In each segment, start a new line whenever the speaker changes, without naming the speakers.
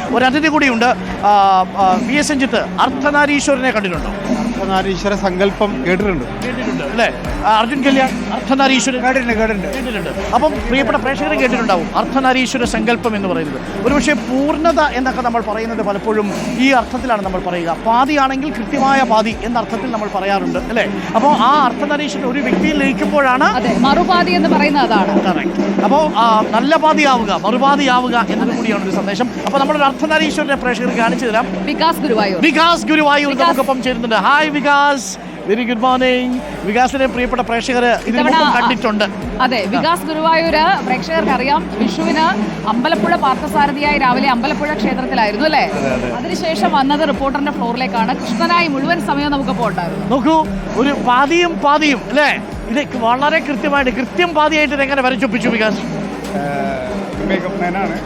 ഒരു അതിഥി കൂടിയുണ്ട്. VS രഞ്ജിത്ത്, അർദ്ധനാരീശ്വരനെ കണ്ടിട്ടുണ്ടോ?
അർദ്ധനാരീശ്വര സങ്കല്പം കേട്ടിട്ടുണ്ട്
അല്ലേ? അർജുൻ കല്യാൺ അർദ്ധനാരീശ്വരൻ കേട്ടിട്ടുണ്ട്. അപ്പം പ്രിയപ്പെട്ട പ്രേക്ഷകരും കേട്ടിട്ടുണ്ടാവും അർദ്ധനാരീശ്വര സങ്കല്പം എന്ന് പറയുന്നത്. ഒരുപക്ഷെ പൂർണ്ണത എന്നൊക്കെ നമ്മൾ പറയുന്നത് പലപ്പോഴും ഈ അർത്ഥത്തിലാണ് നമ്മൾ പറയുക. പാതിയാണെങ്കിൽ കൃത്യമായ പാതി എന്ന അർത്ഥത്തിൽ നമ്മൾ പറയാറുണ്ട് അല്ലേ? അപ്പോൾ ആ അർദ്ധനാരീശ്വരൻ ഒരു വ്യക്തിയിൽ ലയിക്കുമ്പോഴാണ്
മറുപാതി എന്ന് പറയുന്നത്. അതാണ്
അപ്പോൾ നല്ല പാതിയാവുക, മറുപാതിയാവുക എന്നത് കൂടിയാണ് ഒരു സന്ദേശം. അപ്പോൾ നമ്മളൊരു അർദ്ധനാരീശ്വരനെ പ്രേക്ഷകർക്ക് കാണിച്ചു തരാം. വികാസ് ഗുരുവായൂർ നമുക്കൊപ്പം ചേരുന്നുണ്ട്. Hi Vikas, very good morning. വികാസിനെ പ്രിയപ്പെട്ട പ്രേക്ഷകർ ഇതിനു കണ്ടിട്ടുണ്ട്.
അതെ, വികാസ് ഗുരുവായൂര് പ്രേക്ഷകർക്ക് അറിയാം. വിഷുവിന് അമ്പലപ്പുഴ പാർത്ഥസാരഥിയായി രാവിലെ അമ്പലപ്പുഴ ക്ഷേത്രത്തിലായിരുന്നു അല്ലേ? അതിനുശേഷം വന്നത് റിപ്പോർട്ടറിന്റെ ഫ്ലോറിലേക്കാണ്. കൃഷ്ണനായി മുഴുവൻ സമയം നമുക്കിപ്പോൾ ഉണ്ടായിരുന്നു.
നോക്കൂ, ഒരു പാതിയും അല്ലേ? ഇത് വളരെ കൃത്യമായിട്ട് കൃത്യം പാതിയായിട്ട് ഇതെങ്ങനെ വരച്ചൊപ്പിച്ചു വികാസ്?
മേക്കപ്പ് മാനാണ്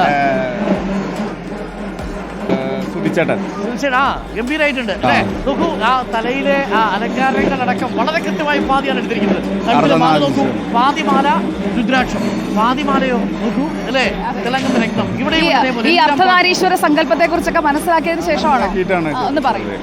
സുധിച്ചേട്ടൻ.
ഗംഭീരായിട്ടുണ്ട് അല്ലേ? നോക്കൂ, ആ തലയിലെ ആ അലങ്കാരങ്ങളടക്കം വളരെ കൃത്യമായി പാതിയാണ് എടുത്തിരിക്കുന്നത്. നോക്കൂ, പാതിമാല രുദ്രാക്ഷം, പാതിമാലയോ നോക്കൂ അല്ലേ? തിളങ്ങുന്ന രക്തം. ഇവിടെ
ഈ അർദ്ധനാരീശ്വര സങ്കല്പത്തെ കുറിച്ചൊക്കെ മനസ്സിലാക്കിയതിനു ശേഷമാണ് ഒന്ന് പറയുന്നത്.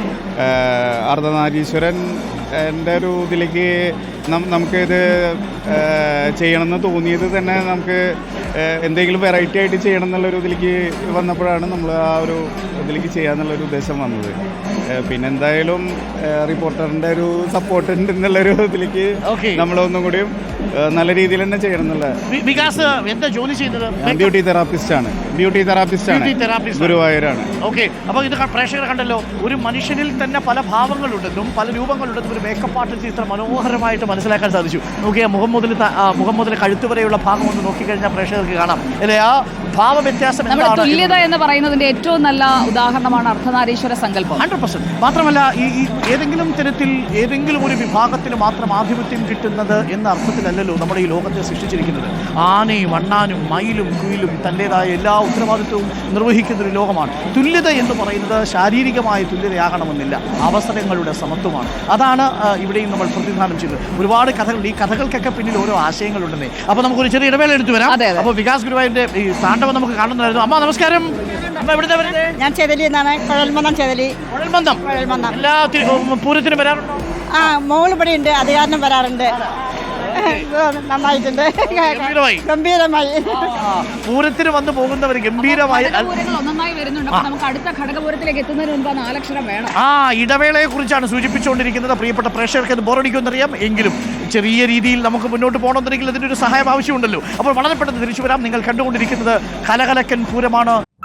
അർദ്ധനാരീശ്വരൻ എൻ്റെ ഒരു ഇതിലേക്ക് നമുക്കിത് ചെയ്യണമെന്ന് തോന്നിയത് തന്നെ നമുക്ക് എന്തെങ്കിലും വെറൈറ്റി ആയിട്ട് ചെയ്യണം എന്നുള്ളൊരു ഇതിലേക്ക് വന്നപ്പോഴാണ് നമ്മൾ ആ ഒരു ഇതിലേക്ക് ചെയ്യാന്നുള്ളൊരു ഉദ്ദേശം വന്നത്. പിന്നെ എന്തായാലും റിപ്പോർട്ടറിൻ്റെ ഒരു സപ്പോർട്ട് ഉണ്ട് എന്നുള്ളൊരു ഇതിലേക്ക് നമ്മളൊന്നും കൂടിയും നല്ല രീതിയിൽ തന്നെ ചെയ്യണം എന്നുള്ള.
വികാസ് എന്താ ജോലി ചെയ്യുന്നത്?
ബ്യൂട്ടി തെറാപ്പിസ്റ്റ് ആണ് ഗുരുവായൂരാണ്.
ഓക്കെ, അപ്പോൾ ഇത് പ്രേക്ഷകർ കണ്ടല്ലോ, ഒരു മനുഷ്യനിൽ തന്നെ പല ഭാവങ്ങളുണ്ടെന്നും പല രൂപങ്ങളുണ്ടെന്നും ഒരു മേക്കപ്പ് ആർട്ടിസ്റ്റ് ഇത്ര മനോഹരമായിട്ട് മനസ്സിലാക്കാൻ സാധിച്ചു. നോക്കിയാൽ മുഖം മുതൽ കഴുത്ത് വരെയുള്ള ഭാഗം ഒന്ന് നോക്കിക്കഴിഞ്ഞാൽ പ്രേക്ഷകർക്ക് കാണാം അല്ലേ? ആ ഭാവ വ്യത്യാസം,
തുല്യത എന്ന് പറയുന്നതിന്റെ ഏറ്റവും നല്ല ഉദാഹരണമാണ് അർദ്ധനാരീശ്വര സങ്കല്പം.
100%. മാത്രമല്ല ഈ ഏതെങ്കിലും തരത്തിൽ ഏതെങ്കിലും ഒരു വിഭാഗത്തിന് മാത്രം ആധിപത്യം കിട്ടുന്നത് എന്ന അർത്ഥത്തിലല്ലല്ലോ നമ്മുടെ ഈ ലോകത്തെ സൃഷ്ടിച്ചിരിക്കുന്നത്. ആനയും അണ്ണാനും മയിലും കുയിലും തൻ്റെതായ എല്ലാ ഉത്തരവാദിത്വവും നിർവഹിക്കുന്ന ഒരു ലോകമാണ്. തുല്യത എന്ന് പറയുന്നത് ശാരീരികമായ തുല്യതയാകണമെന്നില്ല, അവസരങ്ങളുടെ സമത്വമാണ്. അതാണ് ഇവിടെയും നമ്മൾ പ്രതിനിധാനം ചെയ്തത്. ഒരുപാട് കഥകൾ, ഈ കഥകൾക്കൊക്കെ പിന്നിൽ ഓരോ ആശയങ്ങളുണ്ടെന്നേ. അപ്പോൾ നമുക്കൊരു ചെറിയ ഇടവേള എടുത്തു വരാം. അപ്പോൾ വികാസ് ഗുരുവായൂരിന്റെ ഈ താണ്ഡവം നമുക്ക് കാണുന്നതായിരുന്നു. അമ്മ നമസ്കാരം. അമ്മ എവിടുത്തെ വരുന്നത്?
ഞാൻ ചെതലി എന്നാണ്. കുഴൽമന്ദം.
എല്ലാ പൂരത്തിനും വരാറുണ്ടോ?
ആ, മോള് ഇവിടെ ഉണ്ട്, അത് കാരണം വരാറുണ്ട്. നന്നായിട്ടുണ്ട്, ഗംഭീരമായി.
പൂരത്തിന് വന്നു പോകുന്നവർ ഗംഭീരമായി
ഒന്നായി വരുന്നുണ്ട്. നമുക്ക് അടുത്ത ഘടകപൂരത്തിലേക്ക് എത്തുന്നതിന് മുമ്പ് 4 അക്ഷരം വേണം.
ഇടവേളയെ കുറിച്ചാണ് സൂചിപ്പിച്ചുകൊണ്ടിരിക്കുന്നത്. പ്രിയപ്പെട്ട പ്രേക്ഷകർക്ക് അത് ബോറടിക്കുമെന്നറിയാം, എങ്കിലും ചെറിയ രീതിയിൽ നമുക്ക് മുന്നോട്ട് പോകണമെന്നുണ്ടെങ്കിൽ അതിൻ്റെ ഒരു സഹായം ആവശ്യമുണ്ടല്ലോ. അപ്പോൾ വളരെ പെട്ടെന്ന് തിരിച്ചു വരാം. നിങ്ങൾ കണ്ടുകൊണ്ടിരിക്കുന്നത് കലകലക്കൻ പൂരമാണ്.